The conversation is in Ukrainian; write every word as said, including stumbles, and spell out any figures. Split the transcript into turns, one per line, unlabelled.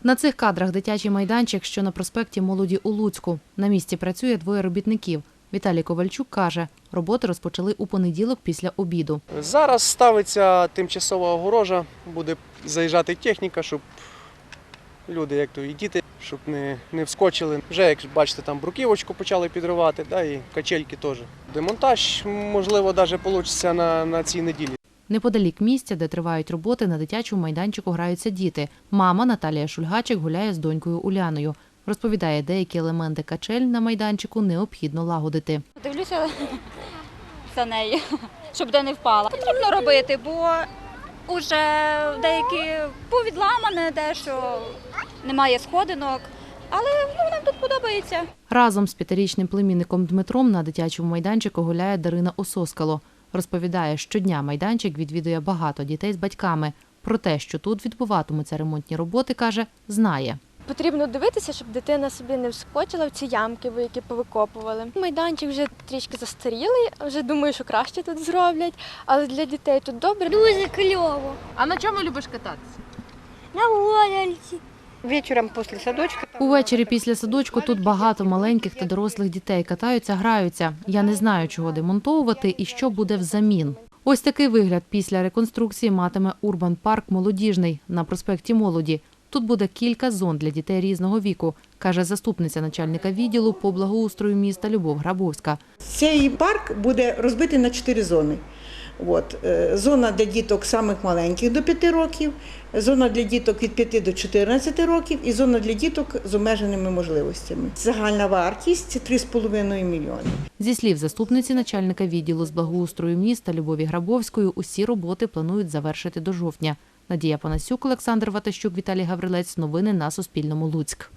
На цих кадрах дитячий майданчик, що на проспекті Молоді у Луцьку. На місці працює двоє робітників. Віталій Ковальчук каже, роботи розпочали у понеділок після обіду.
Зараз ставиться тимчасова огорожа, буде заїжджати техніка, щоб люди, як то і діти, щоб не, не вскочили. Вже, як бачите, там бруківочку почали підривати, да, і качельки теж. Демонтаж, можливо, навіть вийде на, на цій неділі.
Неподалік місця, де тривають роботи, на дитячому майданчику граються діти. Мама Наталія Шульгачик гуляє з донькою Уляною. Розповідає, деякі елементи качель на майданчику необхідно лагодити.
Дивлюся за нею, щоб де не впала. Потрібно робити, бо вже деякі повідламане, дещо немає сходинок. Але ну, нам тут подобається.
Разом з п'ятирічним племінником Дмитром на дитячому майданчику гуляє Дарина Ососкало. Розповідає, щодня майданчик відвідує багато дітей з батьками. Про те, що тут відбуватимуться ремонтні роботи, каже, знає.
Потрібно дивитися, щоб дитина собі не вскочила в ці ямки, які повикопували. Майданчик вже трішки застарілий, вже думаю, що краще тут зроблять, але для дітей тут добре.
Дуже кльово.
А на чому любиш кататися?
На гойдалці.
Вечором після садочка.
Увечері після садочку тут багато маленьких та дорослих дітей катаються, граються. Я не знаю, чого демонтовувати і що буде взамін. Ось такий вигляд після реконструкції матиме Урбан-парк «Молодіжний» на проспекті Молоді. Тут буде кілька зон для дітей різного віку, каже заступниця начальника відділу по благоустрою міста Любов Грабовська.
Цей парк буде розбитий на чотири зони. От. Зона для діток самих маленьких до п'яти років, зона для діток від п'яти до чотирнадцяти років і зона для діток з обмеженими можливостями. Загальна вартість – три з половиною мільйони.
Зі слів заступниці начальника відділу з благоустрою міста Любові Грабовської, усі роботи планують завершити до жовтня. Надія Панасюк, Олександр Ватащук, Віталій Гаврилець. Новини на Суспільному. Луцьк.